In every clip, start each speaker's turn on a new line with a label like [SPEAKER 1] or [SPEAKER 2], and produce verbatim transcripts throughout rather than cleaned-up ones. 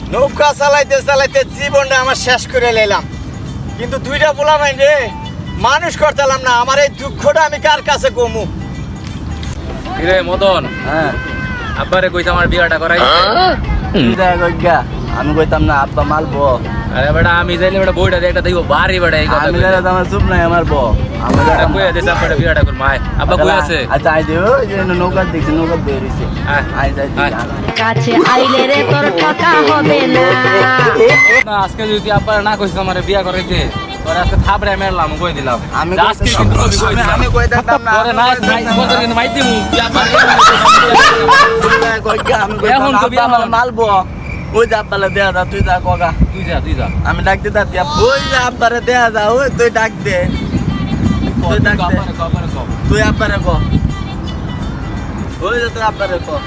[SPEAKER 1] নৌকা চালাইতে চালাইতে জীবনটা আমার শেষ করে নিলাম, কিন্তু দুইটা পোলা নাই রে মানুষ করতেলাম না। আমার এই দুঃখটা আমি কার কাছে কমু?
[SPEAKER 2] কিরে মদন,
[SPEAKER 3] হ্যাঁ
[SPEAKER 2] আব্বারে কইতা আমার বিয়াটা করাই।
[SPEAKER 3] আমি কইতাম না আব্বা মালবো।
[SPEAKER 2] আরে বেটা আমি যাইলে বেটা বইটা দিয়ে একটা দেখবো বাড়ি বেটা এই কথা
[SPEAKER 3] আমি জানি তো আমার চুপ নাই আমার বো। আমি
[SPEAKER 2] বেটা কইয়া দিছে আব্বাটা বিয়াটা করব। আয় আব্বা কই আছে?
[SPEAKER 3] আচ্ছা আই দিও যে নৌকা দেখছি নৌকা বের হইছে।
[SPEAKER 2] আয়
[SPEAKER 3] আই যাই
[SPEAKER 2] আয়।
[SPEAKER 4] কাছে আইলে রে তোর ঠকা হবে না।
[SPEAKER 2] না আজকে যদি আব্বারা না কইছ আমারে বিয়া করাইতে তোরে আজকে থাপড়ে মেরলাম কই দিলাম।
[SPEAKER 3] আমি
[SPEAKER 2] যে আজকে কিন্তু কবি কই দিলাম।
[SPEAKER 3] আমি কইতাম না
[SPEAKER 2] তোরে না নাই তোরে কিন্তু মাইতি মু
[SPEAKER 3] আমি
[SPEAKER 2] এখন
[SPEAKER 3] কইতাম
[SPEAKER 2] কবি
[SPEAKER 3] আব্বা
[SPEAKER 2] আমার-
[SPEAKER 3] মালবো। ওই যা আব্বালে দেয়া যা তুই যা কগা।
[SPEAKER 2] তুই যা তুই যা
[SPEAKER 3] আমি ডাক দিতা দিয়া ওই যা আব্বারে দেয়া যা ওই তুই ডাক দে। তুই ডাক দে
[SPEAKER 2] আব্বারে আব্বারে কও।
[SPEAKER 3] তুই আব্বারে ক। ওই যে তুই আব্বারে ক।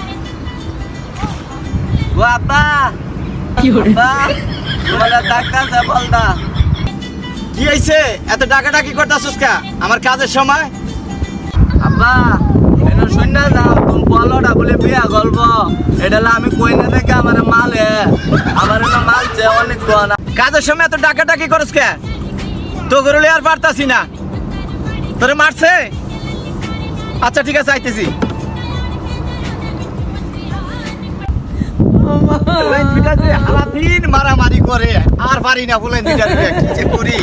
[SPEAKER 3] ও আব্বা
[SPEAKER 4] কি হরে
[SPEAKER 3] আব্বা তোমার ডাক্তার বল দা।
[SPEAKER 1] কি হইছে? এত ডাকাডাকি করতাছস কা আমার কাজের সময়?
[SPEAKER 3] আব্বা এনো শুননা যাও তুমি বলটা বলে বিয়া গল্প এটা আমি কই না থেকে আমার মালে আমার এনো মালছে অনেক গনা।
[SPEAKER 1] কাজের সময় এত ডাকাডাকি করস কে? তো গরুলে আর পারতাছি না, তোরে মারছে? আচ্ছা ঠিক আছে আইতেছি। ওই দুইটা যে সারাদিন মারামারি করে আর পারি না বলেন দুইটা দুইটা কি যে করি।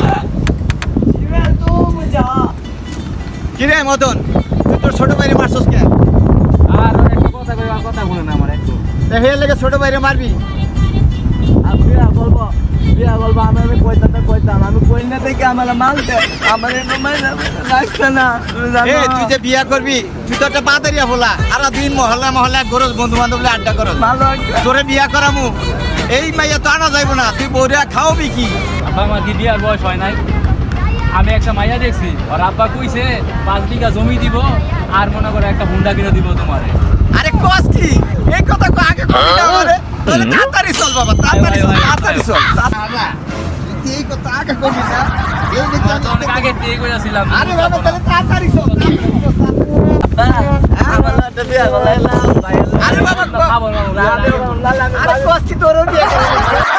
[SPEAKER 1] কিরে মদন, তুই তোর ছোট ভাইরে মারছস কে?
[SPEAKER 2] আর একটা কথা কই আর কথা বলে না আমার একটু।
[SPEAKER 1] হের লেগে ছোট ভাইরে মারবি?
[SPEAKER 3] আর বিয়া গল্প বিয়া গল্প আমি আমি কইতাম না কইতাম আমি কই না থেকে আমার মালছে আমার এনো মাইনা রাখছে না তুমি
[SPEAKER 1] এ
[SPEAKER 3] জানো
[SPEAKER 1] তুই যে বিয়া করবি তুই তো একটা বাদারিয়া বলা আর দিন মহল্লা মহল্লা গরজ বন্ধু বান্ধব আড্ডা করস।
[SPEAKER 3] ভালো একটা
[SPEAKER 1] তোরে বিয়া করামু এই মাইয়া তো আনা যাইব না, তুই বউরিয়া খাওয়াবি কি?
[SPEAKER 2] আব্বা আমার কি বিয়ার বয়স হয় নাই? আমি একটা মাইয়া দেখছি আর আব্বা কইছে পাঁচ বিঘা জমি দিব আর মনে করে একটা হুন্ডা কিনে দিব তোমারে।
[SPEAKER 1] আরে কস কি এই কথা কো আগে কবি না আমারে, তাহলে তাড়াতাড়ি চল বাবা, তাড়াতাড়ি চল, তাড়াতাড়ি চল। বাবা তুই এই কথা আগে কবি না, এই দেখি
[SPEAKER 2] তো অনেক আগে থেকে কইছিলাম।
[SPEAKER 1] আরে বাবা তাহলে তাড়াতাড়ি চল, তাড়াতাড়ি চল,
[SPEAKER 3] আব্বা আমার একটা বিয়া গলাইলাম ভাই
[SPEAKER 1] আরে বাবা
[SPEAKER 2] খাবো না
[SPEAKER 3] আরে
[SPEAKER 1] আরে কস কি তোর বিয়া করবি?